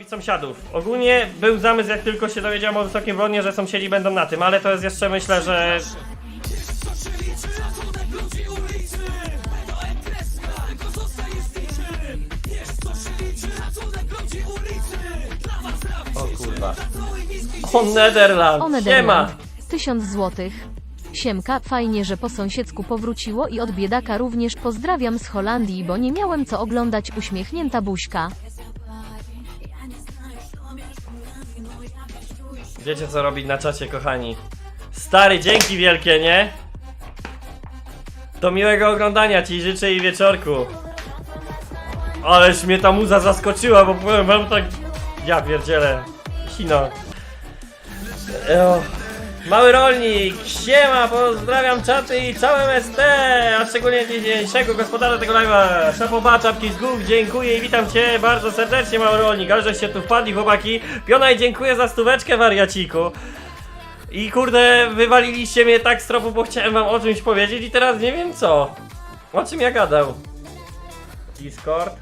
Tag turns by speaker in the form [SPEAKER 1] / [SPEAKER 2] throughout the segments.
[SPEAKER 1] robić sąsiadów. Ogólnie był zamysł, jak tylko się dowiedziałem o Wysokim Brodnie, że sąsiedzi będą na tym, ale to jest jeszcze, myślę, że... O kurwa. O Nederland, siema!
[SPEAKER 2] Nederland. 1000 złotych. Siemka, fajnie, że po sąsiedzku powróciło i od biedaka również pozdrawiam z Holandii, bo nie miałem co oglądać. Uśmiechnięta buźka.
[SPEAKER 1] Wiecie co robić na czacie, kochani. Stary, dzięki wielkie, nie? Do miłego oglądania ci życzę i wieczorku. Ależ mnie ta muza zaskoczyła, bo powiem wam tak... Ja pierdzielę. Sino. Mały rolnik, siema, pozdrawiam czaty i całe ST, a szczególnie dzisiejszego gospodarza tego live'a, Szapoba, czapki z głów, dziękuję i witam cię bardzo serdecznie, mały rolnik, ale żeście tu wpadli, chłopaki. Piona i dziękuję za stóweczkę, wariaciku. I kurde, wywaliliście mnie tak z tropu, bo chciałem wam o czymś powiedzieć i teraz nie wiem co. O czym ja gadał? Discord?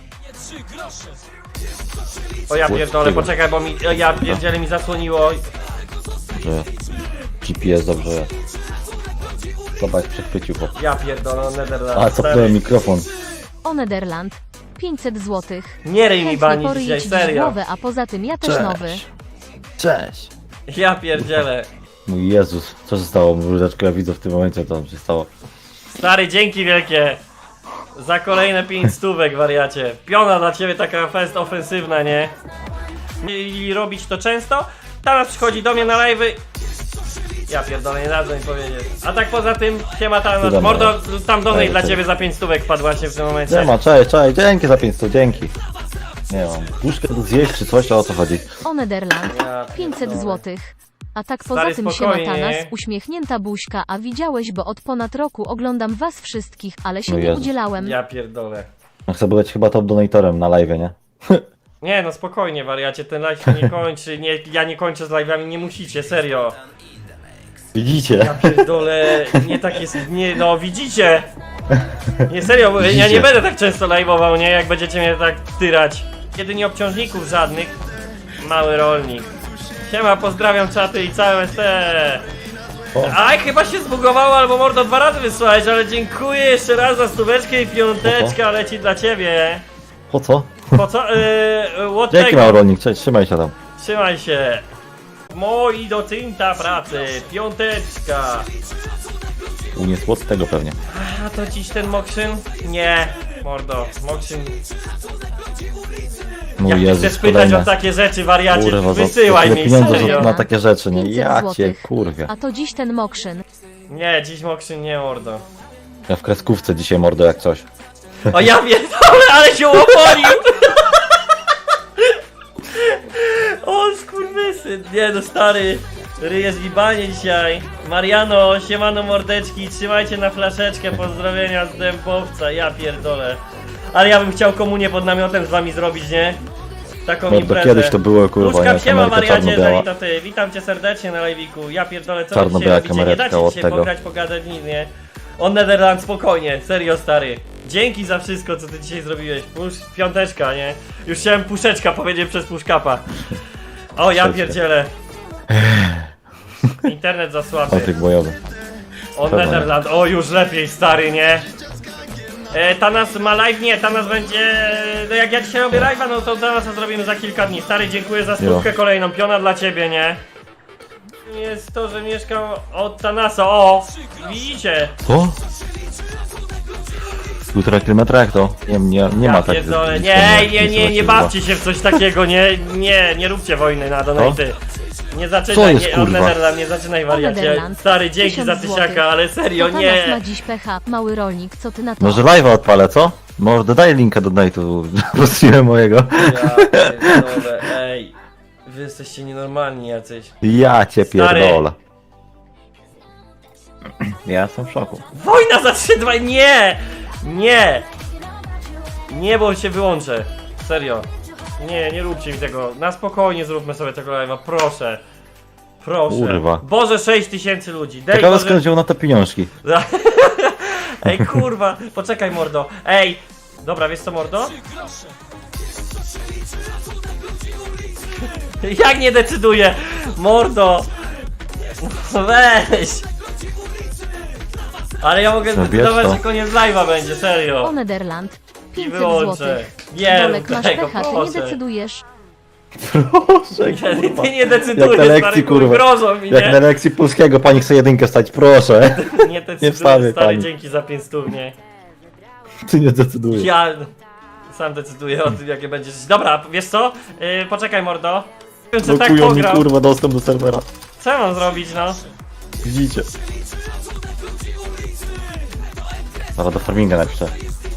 [SPEAKER 1] O ja pierdolę, poczekaj, bo mi, ja pierdzielę mi zasłoniło.
[SPEAKER 3] Że GPS dobrze jest. Zobacz, przechwycił chłop.
[SPEAKER 1] Ja pierdolę, Nederland.
[SPEAKER 3] A, cofnąłem mikrofon.
[SPEAKER 2] O Nederland. 500 złotych.
[SPEAKER 1] Nie ryj mi
[SPEAKER 2] Chętnie
[SPEAKER 1] bani
[SPEAKER 2] poryję
[SPEAKER 1] dzisiaj,
[SPEAKER 2] ci
[SPEAKER 1] serio.
[SPEAKER 2] głowę, a poza tym ja też nowy.
[SPEAKER 3] Cześć.
[SPEAKER 1] Ja pierdzielę.
[SPEAKER 3] Mój Jezus, co się stało? Mróweczko, ja widzę w tym momencie, co tam się stało.
[SPEAKER 1] Stary, dzięki wielkie. Za kolejne 5 stówek, wariacie. Piona dla ciebie taka fest ofensywna, nie? I robić to często. Tanas przychodzi do mnie na live'y. Ja pierdolę, nie dadzą mi powiedzieć. A tak poza tym, siema Tanas.
[SPEAKER 3] Cudownie.
[SPEAKER 1] Mordo, tam donate
[SPEAKER 3] Cześć,
[SPEAKER 1] dla
[SPEAKER 3] cześć.
[SPEAKER 1] ciebie za 5 stówek wpadł właśnie w tym momencie.
[SPEAKER 3] Nie ma, cześć, dzięki za 500, dzięki. Nie mam. Puszkę tu zjeść czy coś, to o co chodzi?
[SPEAKER 2] O Nederland.
[SPEAKER 1] Ja
[SPEAKER 2] 500
[SPEAKER 1] pierdolę.
[SPEAKER 2] złotych. A tak poza
[SPEAKER 1] Stary,
[SPEAKER 2] tym
[SPEAKER 1] spokojnie,
[SPEAKER 2] siema Tanas,
[SPEAKER 1] nie?
[SPEAKER 2] uśmiechnięta buźka, a widziałeś, bo od ponad roku oglądam was wszystkich, ale się
[SPEAKER 3] No
[SPEAKER 2] nie
[SPEAKER 3] Jezus.
[SPEAKER 2] udzielałem.
[SPEAKER 1] Ja pierdolę.
[SPEAKER 3] No chcę być chyba top donatorem na live, nie?
[SPEAKER 1] Nie no spokojnie, wariacie, ten live się nie kończy. Nie, ja nie kończę z live'ami, nie musicie, serio.
[SPEAKER 3] Widzicie?
[SPEAKER 1] Ja pierdolę, nie tak jest, nie, no widzicie! Nie serio, bo ja nie
[SPEAKER 3] Widzicie.
[SPEAKER 1] będę tak często live'ował, nie? Jak będziecie mnie tak tyrać. Jedynie obciążników żadnych. Mały rolnik. Siema, pozdrawiam czaty i całe ST.
[SPEAKER 3] O.
[SPEAKER 1] Aj, chyba się zbugowało, albo mordo 2 razy wysłałeś, ale dziękuję jeszcze raz za stóweczkę i piąteczka leci dla ciebie.
[SPEAKER 3] Po co?
[SPEAKER 1] Po co? What
[SPEAKER 3] Dzięki
[SPEAKER 1] tego?
[SPEAKER 3] mały rolnik, cześć, trzymaj się tam.
[SPEAKER 1] Trzymaj się. Moi docinta pracy, piąteczka.
[SPEAKER 3] Uniesło od tego pewnie.
[SPEAKER 1] A to dziś ten Mokrzyn? Nie, mordo, Mokrzyn.
[SPEAKER 3] Mój
[SPEAKER 1] Jak
[SPEAKER 3] Jezus,
[SPEAKER 1] chcesz pytać
[SPEAKER 3] kolejne.
[SPEAKER 1] o takie rzeczy, wariacie,
[SPEAKER 3] Kurwa, za
[SPEAKER 1] wysyłaj
[SPEAKER 3] tyle
[SPEAKER 1] mi,
[SPEAKER 3] pieniędzy
[SPEAKER 1] serio.
[SPEAKER 3] na takie rzeczy, nie?
[SPEAKER 2] 500
[SPEAKER 3] Ja cię
[SPEAKER 2] złotych.
[SPEAKER 3] kurwie.
[SPEAKER 2] A to dziś ten Mokrzyn.
[SPEAKER 1] Nie, dziś Mokrzyn nie, mordo.
[SPEAKER 3] Ja w kreskówce dzisiaj mordo jak coś.
[SPEAKER 1] O ja pierdolę, ale się łoponił! O skurwysyn, nie no stary. Ryje zgibanie dzisiaj. Mariano, siemano mordeczki, trzymajcie na flaszeczkę, pozdrowienia z Dębowca, ja pierdolę. Ale ja bym chciał komunię pod namiotem z wami zrobić, nie? Taką
[SPEAKER 3] Mordo,
[SPEAKER 1] imprezę.
[SPEAKER 3] kiedyś to było kurwa,
[SPEAKER 1] Puszka,
[SPEAKER 3] nie?
[SPEAKER 1] siema
[SPEAKER 3] Kamerka
[SPEAKER 1] wariacie,
[SPEAKER 3] czarno-biała.
[SPEAKER 1] jeżeli to ty. Witam cię serdecznie na live'iku. Ja pierdolę, co wy
[SPEAKER 3] Czarno-biała
[SPEAKER 1] dzisiaj robicie? Nie
[SPEAKER 3] kamereczka
[SPEAKER 1] dacie
[SPEAKER 3] od
[SPEAKER 1] dzisiaj
[SPEAKER 3] tego.
[SPEAKER 1] pograć, pogadać, nic, nie? O Nederland, spokojnie, serio stary. Dzięki za wszystko, co ty dzisiaj zrobiłeś. Piąteczka, nie? Już chciałem puszeczka powiedzieć przez puszkapa. O, ja
[SPEAKER 3] Puszeczka.
[SPEAKER 1] pierdzielę. Internet za słaby.
[SPEAKER 3] Patryk bojowy.
[SPEAKER 1] O
[SPEAKER 3] Pewnie.
[SPEAKER 1] Nederland, o już lepiej stary, nie? Tanas ma live? Nie, Tanas będzie... No jak ja dzisiaj robię live'a, no to Tanasa zrobimy za kilka dni. Stary, dziękuję za stówkę kolejną, piona dla ciebie, nie? Jest to, że mieszkam od Tanasa, o! Widzicie?
[SPEAKER 3] Co? 1,5 kilometra jak to? Nie ma tak.
[SPEAKER 1] Pierdolę. Nie bawcie się w coś takiego, nie róbcie wojny na donaty. Nie
[SPEAKER 3] Co
[SPEAKER 1] zaczynaj,
[SPEAKER 3] jest,
[SPEAKER 1] nie,
[SPEAKER 3] kurwa?
[SPEAKER 1] Nederland, nie zaczynaj wariacie.
[SPEAKER 2] Nederland.
[SPEAKER 1] Stary, dzięki
[SPEAKER 2] 1000
[SPEAKER 1] za tysiaka,
[SPEAKER 2] złotych.
[SPEAKER 1] ale serio,
[SPEAKER 2] To Tanas
[SPEAKER 1] nie.
[SPEAKER 2] ma dziś pecha, mały rolnik, co ty na to?
[SPEAKER 3] Może live'a odpalę, co? Może daj linka do donate'u. Prosiłem mojego.
[SPEAKER 1] Ja pierdolę, ej. Wy jesteście nienormalni jacyś.
[SPEAKER 3] Ja cię
[SPEAKER 1] Stary.
[SPEAKER 3] pierdolę. Ja jestem w szoku.
[SPEAKER 1] Wojna za 3-2, nie! Nie! Nie, bo się wyłączę. Serio. Nie róbcie mi tego. Na spokojnie zróbmy sobie tego live'a, proszę. Proszę.
[SPEAKER 3] Kurwa.
[SPEAKER 1] Boże, 6000 ludzi. Dej
[SPEAKER 3] Ciekawe
[SPEAKER 1] Boże...
[SPEAKER 3] skąd wziął na to pieniążki.
[SPEAKER 1] Ej, kurwa, poczekaj mordo. Ej! Dobra, wiesz co mordo? Jak nie decyduje? Mordo! Weź! Ale ja mogę
[SPEAKER 3] Zabierz
[SPEAKER 1] zdecydować,
[SPEAKER 3] to.
[SPEAKER 1] że koniec live'a będzie,
[SPEAKER 2] O
[SPEAKER 1] serio.
[SPEAKER 2] Nederland.
[SPEAKER 1] I
[SPEAKER 2] 500
[SPEAKER 1] wyłączę.
[SPEAKER 2] złotych.
[SPEAKER 1] Nie
[SPEAKER 2] Bolek,
[SPEAKER 1] rób
[SPEAKER 2] masz
[SPEAKER 1] tego,
[SPEAKER 2] pecha, ty nie
[SPEAKER 1] proszę.
[SPEAKER 2] decydujesz.
[SPEAKER 3] Proszę, kurwa.
[SPEAKER 1] Ty nie
[SPEAKER 3] Jak
[SPEAKER 1] decydujesz,
[SPEAKER 3] na
[SPEAKER 1] stary,
[SPEAKER 3] lekcji, kurwa.
[SPEAKER 1] grożą mi,
[SPEAKER 3] Jak na
[SPEAKER 1] nie?
[SPEAKER 3] lekcji polskiego pani chce jedynkę stać, proszę.
[SPEAKER 1] Nie
[SPEAKER 3] wstawię
[SPEAKER 1] decydujesz, stary,
[SPEAKER 3] pani.
[SPEAKER 1] dzięki za 500, nie?
[SPEAKER 3] Ty nie decydujesz.
[SPEAKER 1] Ja sam decyduję o tym, jakie będzie. Dobra, wiesz co? Poczekaj, mordo. Czy tak
[SPEAKER 3] Blokują mi
[SPEAKER 1] pograł?
[SPEAKER 3] kurwa dostęp do serwera.
[SPEAKER 1] Co ja mam zrobić, no?
[SPEAKER 3] Widzicie. Zaraz do farminga napiszę.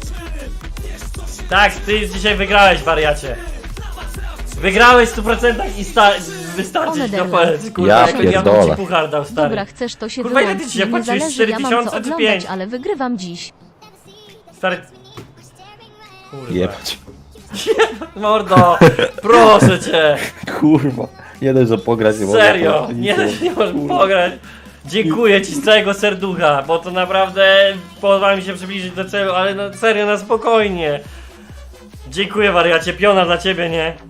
[SPEAKER 1] Tak, ty dzisiaj wygrałeś, wariacie. Wygrałeś w 100% i wystarczy ci do powiedz, kurwa,
[SPEAKER 3] Ja
[SPEAKER 1] jakbym ja bym
[SPEAKER 3] pierdolę.
[SPEAKER 1] ci puchar dał, stary.
[SPEAKER 2] Dobra, chcesz to się
[SPEAKER 1] Kurwa, ile ty
[SPEAKER 2] wyłącz.
[SPEAKER 1] dzisiaj
[SPEAKER 2] Nie
[SPEAKER 1] płaciłeś?
[SPEAKER 2] zależy, ja mam
[SPEAKER 1] 4000
[SPEAKER 2] co
[SPEAKER 1] czy
[SPEAKER 2] oglądać,
[SPEAKER 1] 5?
[SPEAKER 2] ale wygrywam dziś.
[SPEAKER 1] Stary... Kurwa.
[SPEAKER 3] Jebać.
[SPEAKER 1] Mordo, proszę cię.
[SPEAKER 3] Kurwa. Nie dość, że pograć nie mogę.
[SPEAKER 1] Serio,
[SPEAKER 3] to
[SPEAKER 1] nie,
[SPEAKER 3] nic
[SPEAKER 1] nie możesz pograć. Dziękuję ci z całego serducha, bo to naprawdę pozwala mi się przybliżyć do celu, ale no serio, na spokojnie. Dziękuję, wariacie, piona dla ciebie, nie?